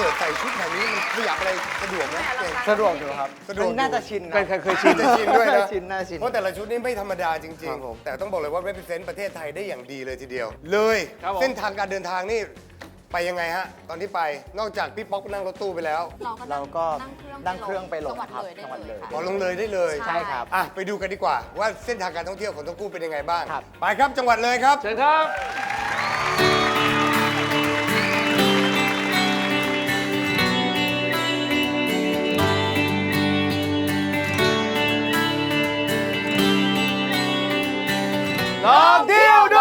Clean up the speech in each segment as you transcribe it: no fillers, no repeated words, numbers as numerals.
สิร์ตใส่ชุดแบบนี้มันขยับอะไรสะดวกไหมสะดวกอยู่ครับสะดวกน่าจะชินนะเคยชินจะชินด้วยนะชินน่าชินเพราะแต่ละชุดนี่ไม่ธรรมดาจริงครับผมๆ แต่ต้องบอกเลยว่า represent ประเทศไทยได้อย่างดีเลยทีเดียว เลยครับผมเส้นทางการเดินทางนี่ไปยังไงฮะ ตอนที่ไปนอกจากพี่ป๊อกนั่งรถตู้ไปแล้วเราก็นั่งเครื่องไปลงจังหวัดครับเลยได้จังหวัดเลเลย ยค่ะขอลงเลยได้เลยใช่ครับอ่ะไปดูกันดีกว่า ว่าเส้นทางการท่องเที่ยวของทั้งคู่เป็นยังไงบ้างครับไปครับจังหวัดเลยครับเชิญครับ ลองเที่ยวดู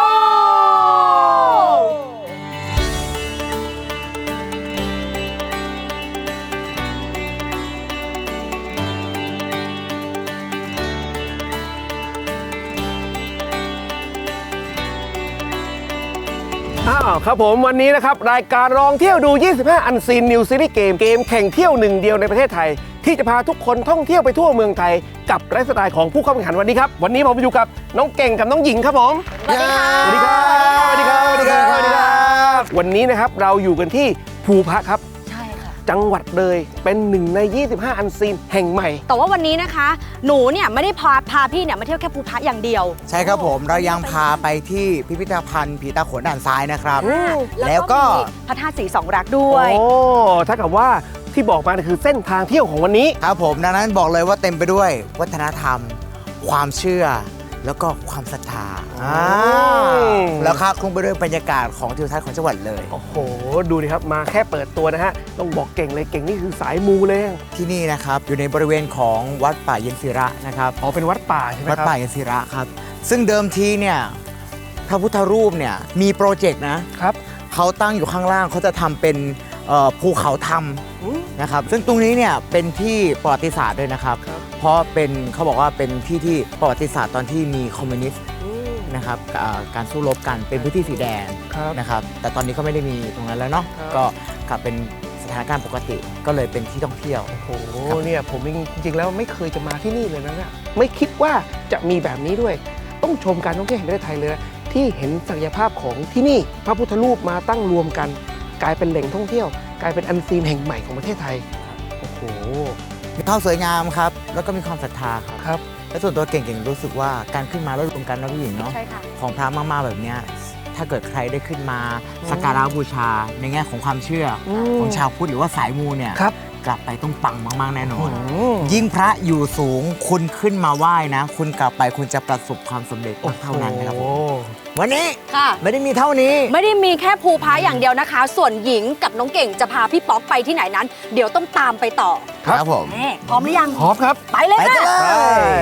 ครับผมวันนี้นะครับ รายการลองเที่ยวดู 25 อันซีนนิวซีรีส์เกมแข่งเที่ยวหนึ่งเดียวในประเทศไทย ที่จะพาทุกคนท่องเที่ยวไปทั่วเมืองไทย กับไลฟ์สไตล์ของผู้เข้าแข่งขันวันนี้ครับ วันนี้ผมอยู่กับน้องเก่งกับน้องหญิงครับผมสวัสดีค่ะสวัสดีครับสวัสดีครับสวัสดีครับสวัสดีครับวันนี้นะครับเราอยู่กันที่ภูพระครับใช่ค่ะจังหวัดเลยเป็นหนึ่งใน 25 อันซีนแห่งใหม่แต่ว่าวันนี้นะคะ หนูเนี่ยไม่ได้พาพี่เนี่ยมาเที่ยวแค่ภูพระอย่างเดียวใช่ครับผมเรายังพาไปที่พิพิธภัณฑ์ผีตาโขนด่านซ้ายนะครับ แล้แล้ว วก็ก็มีพระธาตุสีสองรักด้วยโอ้ถ้ากับว่าที่บอกมาเนี่ยคือเส้นทางเที่ยวของวันนี้ครับผมดังนั้นบอกเลยว่าเต็มไปด้วยวัฒนธรรม ความเชื่อ แล้วก็ความศรัทธาแล้วครับคลุ้งไปด้วยบรรยากาศของทิวทัศน์ของจังหวัดเลยโอ้โห ดูดิครับ มาแค่เปิดตัวนะฮะ ต้องบอกเก่งเลย เก่งนี่คือสายมูเลยที่นี่นะครับอยู่ในบริเวณของวัดป่าเย็นศิระนะครับอ๋อ เป็นวัดป่าใช่ไหมวัดครับป่าเย็นศิระครับ ซึ่งเดิมทีเนี่ยพระพุทธรูปเนี่ยมีโปรเจกต์นะครับ เขาตั้งอยู่ข้างล่างเขาจะทำเป็นภูเขาธรรมนะครับซึ่งตรงนี้เนี่ยเป็นที่ประวัติศาสตร์ด้วยนะครับ เพราะเป็นเขาบอกว่าเป็นที่ที่ประวัติศาสตร์ตอนที่มีคอมมิวนิสต์นะครับการสู้รบกันเป็นพื้นที่สีแดงครับนะครับแต่ตอนนี้ก็ไม่ได้มีตรงนั้นแล้วเนาะครับก็กลับเป็นสถานการณ์ปกติก็เลยเป็นที่ท่องเที่ยวโอ้โห เนี่ยผมจริงๆแล้วไม่เคยจะมาที่นี่เลยนะเนี่ยไม่คิดว่าจะมีแบบนี้ด้วย ต้องชมการท่องเที่ยวแห่งประเทศไทยเลยนะที่เห็นศักยภาพของที่นี่ พระพุทธรูปมาตั้งรวมกัน กลายเป็นแหล่งท่องเที่ยว กลายเป็นอันซีนแห่งใหม่ของประเทศไทย โอ้โหมีความสวยงามครับแล้วก็มีความศรัทธาครับครับและส่วนตัวเก่งๆรู้สึกว่าการขึ้นมาแล้วรวมกันนะพี่หญิงเนาะใช่ค่ะของพระมากๆแบบเนี้ยถ้าเกิดใครได้ขึ้นมาสักการะบูชาในแง่ของความเชื่ออมของชาวพุทธหรือว่าสายมูเนี่ยครับกลับไปต้องปังมากๆแน่นอนอืมยิ่งพระอยู่สูงคุณขึ้นมาไหว้นะ คุณกลับไปคุณจะประสบความสำเร็จเท่านั้นนะครับผมวันนี้ค่ะไม่ได้มีเท่านี้ไม่ได้มีแค่ภูพระอย่างเดียวนะคะ ส่วนหญิงกับน้องเก่งจะพาพี่ป๊อกไปที่ไหนนั้น เดี๋ยวต้องตามไปต่อครับผมแม่พร้อมหรือยังพร้อมครับไปเลยไปค่ะกันเลย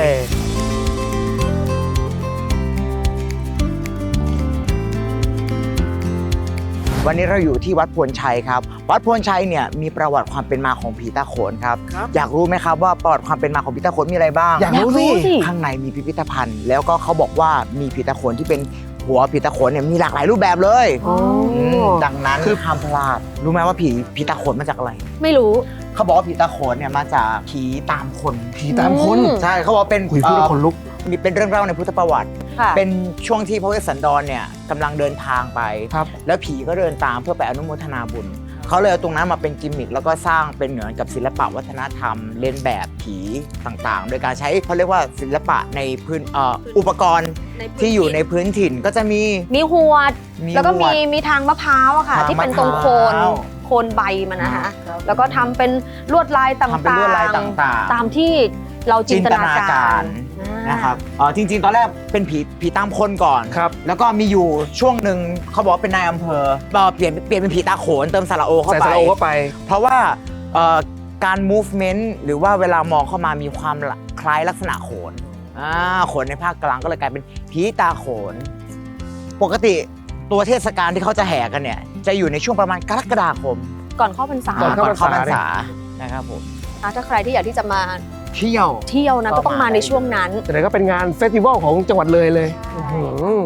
วันนี้เราอยู่ที่วัดพวนชัยครับ วัดพวนชัยเนี่ยมีประวัติความเป็นมาของผีตาโขนครับครับอยากรู้ไหมครับว่าประวัติความเป็นมาของผีตาโขนมีอะไรบ้างอยากรู้สิข้างในมีพิพิธภัณฑ์ แล้วก็เขาบอกว่ามีผีตาโขนที่เป็นหัวผีตาโขนเนี่ยมีหลากหลายรูปแบบเลยอ๋อดังนั้นคือห้ามพลาดรู้ไหมว่าผีตาโขนมาจากอะไรไม่รู้เขาบอกว่าผีตาโขนเนี่ยมาจากผีตามคนผีตามคนใช่เขาบอกว่าเป็นคุยพูดแล้วขนลุกมีเป็นเรื่องเล่าในพุทธประวัติค่ะเป็นช่วงที่พระเวสสันดรเนี่ยกำลังเดินทางไปครับแล้วผีก็เดินตามเพื่อไปอนุโมทนาบุญ เขาเลยเอาตรงนั้นมาเป็นกิมมิคแล้วก็สร้างเป็นเหมือนกับศิลปะวัฒนธรรมเลียนแบบผีต่างๆ โดยการใช้เขาเรียกว่าศิลปะในพื้นอุปกรณ์ที่อยู่ในพื้นถิ่นก็จะมีมีหวด แล้วก็หวดมีทางมะพร้าวอะค่ะทางที่เป็นตรงโคนมะพร้าวโคนใบมันนะคะ แล้วก็ทำเป็นลวดลายต่างๆทำเป็นลวดลายต่างๆตามที่เราจินตนาการนะครับจริงๆ ตอนแรกเป็นผีตามคนก่อนครับแล้วก็มีอยู่ช่วงหนึ่งเขาบอกว่าเป็นนายอำเภอเปลี่ยนเป็นผีตาโขนเติมสระโอเข้าใส่ไปสระโอเข้าไปเพราะว่าการ movement หรือว่าเวลามองเข้ามามีความคล้ายลักษณะโขนโขนในภาคกลางก็เลยกลายเป็นผีตาโขน ปกติตัวเทศกาลที่เขาจะแห่กันเนี่ยจะอยู่ในช่วงประมาณกรกฎาคมก่อนเข้าพรรษาก่อนเข้าพรรษาพรรษานะครับผมถ้าใครที่อยากที่จะมาเที่ยวเที่ยวนะก็ต้องมาในช่วงนั้นแต่ไหนก็เป็นงานเฟสติวัลของจังหวัดเลยเลยอื้อหือ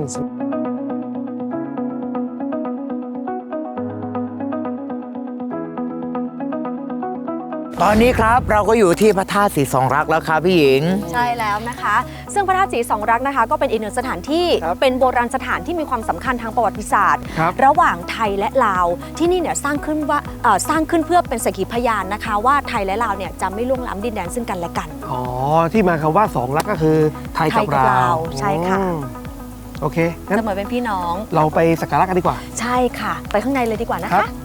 ตอนนี้ครับเราก็อยู่ที่พระธาตุศรีสองรักแล้วครับพี่หญิงใช่แล้วนะคะ ซึ่งพระธาตุศรีสองรักนะคะก็เป็นอีกหนึ่งสถานที่เป็นโบราณสถานที่มีความสำคัญทางประวัติศาสตร์ ระหว่างไทยและลาวที่นี่เนี่ยสร้างขึ้นเพื่อเป็นสักขีพยานนะคะว่าไทยและลาวเนี่ยจะไม่ล่วงล้ำดินแดนซึ่งกันและกันอ๋อที่มาคำว่าสองรักก็คือไทยกับลาวใช่ค่ะโอเคงั้นเสมอเป็นพี่น้องเราไปสักการะกันดีกว่าใช่ค่ะ ไปข้างในเลยดีกว่านะครัคะบ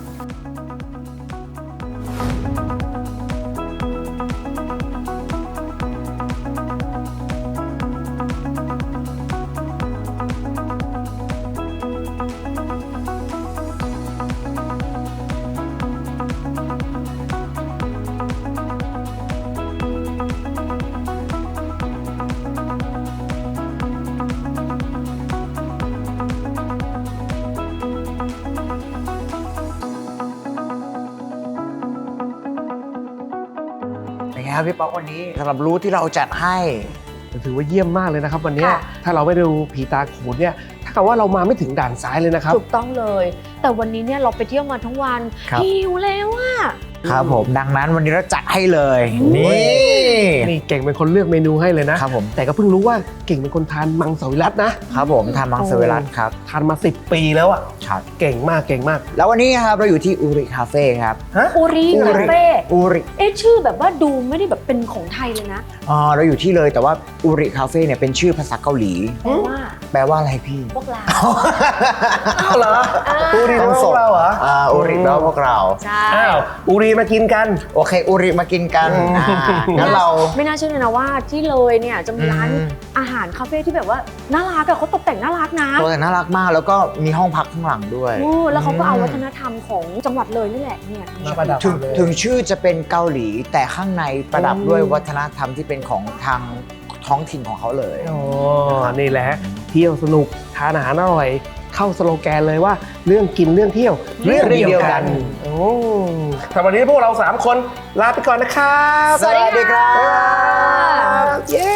เป็นไงครับพี่ป๊อกวันนี้สำหรับรูทที่เราจัดให้ถือว่าเยี่ยมมากเลยนะครับวันนี้ค่ะถ้าเราไม่ดูผีตาโขนเนี่ยถ้ากับว่าเรามาไม่ถึงด่านซ้ายเลยนะครับถูกต้องเลย แต่วันนี้เนี่ยเราไปเที่ยวมาทั้งวันครับหิวแล้วอะครับผมดังนั้นวันนี้เราจัดให้เลย นี่นี่เก่งเป็นคนเลือกเมนูให้เลยนะครับผมแต่ก็เพิ่งรู้ว่าเก่งเป็นคนทานมังสวิรัตนะครับผมทานมังสวิรัตครับทานมา10 ปีแล้วอ่ะครับเก่งมากเก่งมากแล้ววันนี้ครับเราอยู่ที่อูริคาเฟ่ครับอุริอุคาริเฟ่อูริเอ๊ะชื่อแบบว่าดูไม่ได้แบบเป็นของไทยเลยนะเราอยู่ที่เลยแต่ว่าอูริคาเฟ่เนี่ยเป็นชื่อภาษาเกาหลีแปลว่าแปลว่าอะไรพี่พวกเราอ้าวเหรออูรีต้องพส่วงกเราเหรออูริแปลว่าพวกเราใช่อ้าวอูรีมากินกันโอเคอูริมากินกันงั้นเราไม่น่าเชื่อเลยนะว่าที่เลยเนี่ยจะมีร้านอืมอาหารคาเฟ่ที่แบบว่าน่ารักอะเขาตกแต่งน่ารักนะตัวแต่น่ารักมากแล้วก็มีห้องพักข้างหลังด้วยโอ้แล้วเขาก็เอาวัฒนธรรมของจังหวัดเลยนี่แหละเนี่ยมาประดับถึงชื่อจะเป็นเกาหลี แต่ข้างในประดับด้วยวัฒนธรรมที่เป็นของทางท้องถิ่นของเขาเลยอ๋อนี่แหละเที่ยวสนุกทานอาหารอร่อยเข้าสโลแกนเลยว่าเรื่องกินเรื่องเที่ยวเรื่องเดียวกันโอ้สำหรับวันนี้พวกเรา3คนลาไปก่อนนะครับสวัสดีครับเย้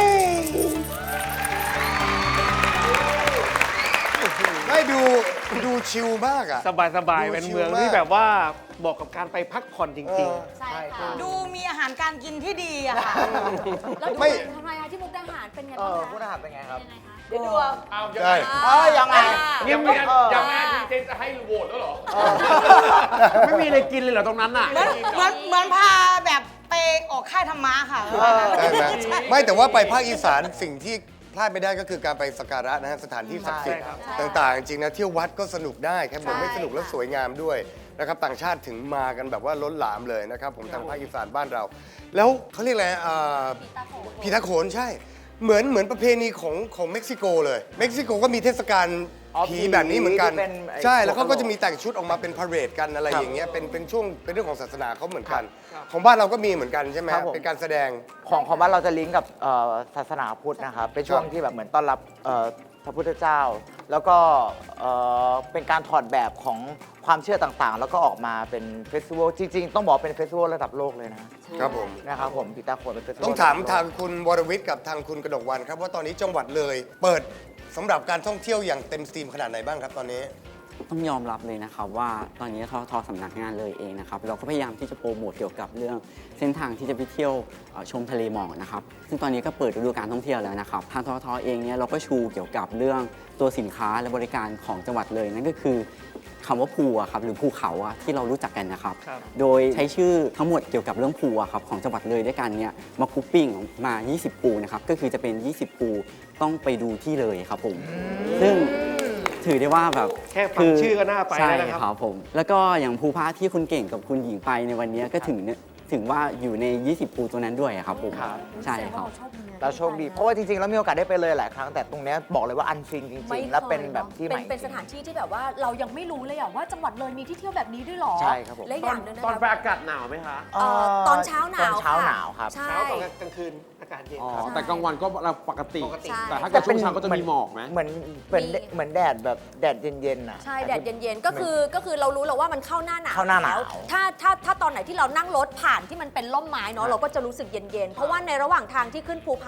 ไม่ดูชิลมากอ่ะสบายสบายดูเป็นชิลเมืองมากที่แบบว่าเหมาะกับการไปพักผ่อนจริงใช่ค่ะดูมีอาหารการกินที่ดีอะค่ะแล้วดูไม่ทำไมคะที่มุกดาหารเป็นไงเอบ้างอคะผู้ทหารเป็นไงครับเดี๋ยวดูใช่ยังไงยังแม่ดีเจจะให้โหวตแล้วเหรอ ไม่มีอะไรกินเลยเหรอตรงนั้นน่ะเหมือนพาแบบไปออกค่ายธรรมะค่ะใช่ไหมไม่แต่ว่าไปภาคอีสานสิ่งที่พลาดไม่ได้ก็คือการไปสักการะนะฮะสถานที่ศักดิ์สิทธิ์ต่างๆ จริงๆนะเที่ยววัดก็สนุกได้แค่ผมไม่สนุกแล้วสวยงามด้วยนะครับต่างชาติถึงมากันแบบว่าล้นหลามเลยนะครับผมทางภาคอีสานบ้านเรา แล้วเขาเรียกอะไรผีตาโขนใช่ เหมือนประเพณีของเม็กซิโกเลยเม็กซิโกก็มีเทศกาลอ๋อผีแบบนี้เหมือนกันที่เป็นไอ้ใช่แล้วเขาก็หัวกะโหลกจะมีแต่งชุดออกมาเป็นพาเหรดกันอะไรอย่างเงี้ยเป็นช่วงเป็นเรื่องของศาสนาเขาเหมือนกัน ของบ้านเราก็มีเหมือนกันใช่ไหมครับผมเป็นการแสดงของบ้านเราจะลิงก์กับศาสนาพุทธนะครับ เป็นช่วงที่แบบเหมือนต้อนรับพระพุทธเจ้า แล้วก็เป็นการถอดแบบของความเชื่อต่างๆ แล้วก็ออกมาเป็นเฟสติวัลจริงๆ ต้องบอกเป็นเฟสติวัลระดับโลกเลยนะครับผมนะครับผมปีตาโขนเป็นเฟสติวัลต้องถามระดับโลกทางคุณวรวิทย์กับทางคุณกนกวรรณครับว่าตอนนี้จังหวัดเลย เปิดสำหรับการท่องเที่ยวอย่างเต็มสตรีมขนาดไหนบ้างครับตอนนี้ต้องยอมรับเลยนะครับว่าตอนนี้ทสำนักงานเลยเองนะครับเราก็พยายามที่จะโปรโมทเกี่ยวกับเรื่องเส้นทางที่จะไปเที่ยวชมทะเลหมอกนะครับซึ่งตอนนี้ก็เปิดฤดูการท่องเที่ยวแล้วนะครับทางททเองเนี่ยเราก็ชูเกี่ยวกับเรื่องตัวสินค้าและบริการของจังหวัดเลยนั่นก็คือคำว่าภูอะครับหรือภูเขาอะที่เรารู้จักกันนะครับ โดยใช้ชื่อทั้งหมดเกี่ยวกับเรื่องภูอะครับของจังหวัดเลยด้วยกันเนี่ยมากรุ๊ปปิ้งมา 20 ปูนะครับก็คือจะเป็น 20 ปูต้องไปดูที่เลยครับผมซึ่งถือได้ว่าแบบแค่ฟังชื่อก็น่าไปแล้วนะครับใช่ครับผม แล้วก็อย่างภูพาที่คุณเก่งกับคุณหญิงไปในวันนี้ก็ถึงว่าอยู่ใน 20 ปูตัวนั้นด้วยครับผมครับใช่ครับเราโชคดี เพราะว่าจริงๆ แล้วมีโอกาสได้ไปเลยหลายครั้ง แต่ตรงเนี้ยบอกเลยว่าอันซีนจไม่ริงคๆยและเป็นแบบที่ใหม่เป็นสถานที่ที่แบบว่าเรายังไม่รู้เลยอะว่าจังหวัดเลยมีที่เที่ยวแบบนี้ด้วยหรอใช่ครับผมและอย่างหนึงนะตอนคะไปอากาศหนาวไหมคะตอนเช้าหนาวตอนเช้าค่ะหนาวครับใช่เช้าตอนกลางคืนอากาศเย็นอ๋อครับแต่กลางวันก็ปกติใช่แต่ถ้าเกิดช่วงเช้าก็จะมีหมอกไหมเหมือนแดดแบบแดดเย็นๆน่ะใช่แดดเย็นๆก็คือเรารู้แล้วว่ามันเข้าหน้าหนาวเข้าหน้าหนาวแล้วถ้าตอนไหนที่เรานั่งรถผ่านที่มันเป็นร่มไม้เนาะเราก็จะรู้สึกเย็นๆเพราะว่าในระหว่างทางที่ขึ้นภูผา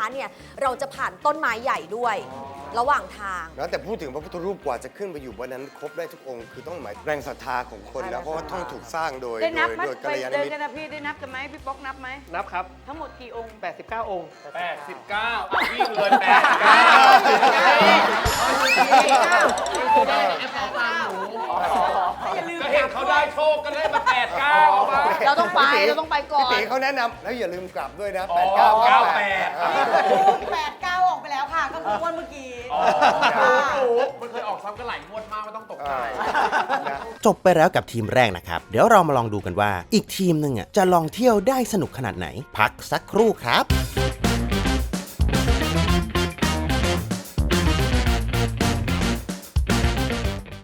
นะคะเนี่ยเราจะผ่านต้นไม้ใหญ่ด้วย ระหว่างทางแล้วแต่พูดถึงพระพุทธรูปกว่าจะขึ้นไปอยู่บนนั้นครบได้ทุกองค์คือต้องหมายแรงศรัทธาของคนแล้วเพราะว่าต้องถูกสร้างโดยได้นับไหมโดยกัไปลยาณเดินมิตกันรนะพี่ได้นับกันไหมพี่ป๊อกนับไหมนับครับทั้งหมดกี่องค์ 89 องค์ 89วิ่งเลย89ก็เห็นเขาได้โชคกันได้มา89เอามาเราต้องไปเราต้องไปก่อนพี่ตีเขาแนะนำแล้วอย่าลืมกลับด้วยนะอ๋อ 89 8-9 ออกไปแล้วค่ะ ก็คือวันเมื่อกี้มันเคยออกซ้ำกันหลายงวดมากไม่ต้องตกใจจบไปแล้วกับทีมแรกนะครับ เดี๋ยวเรามาลองดูกันว่า อีกทีมหนึ่งจะลองเที่ยวได้สนุกขนาดไหน พักสักครู่ครับ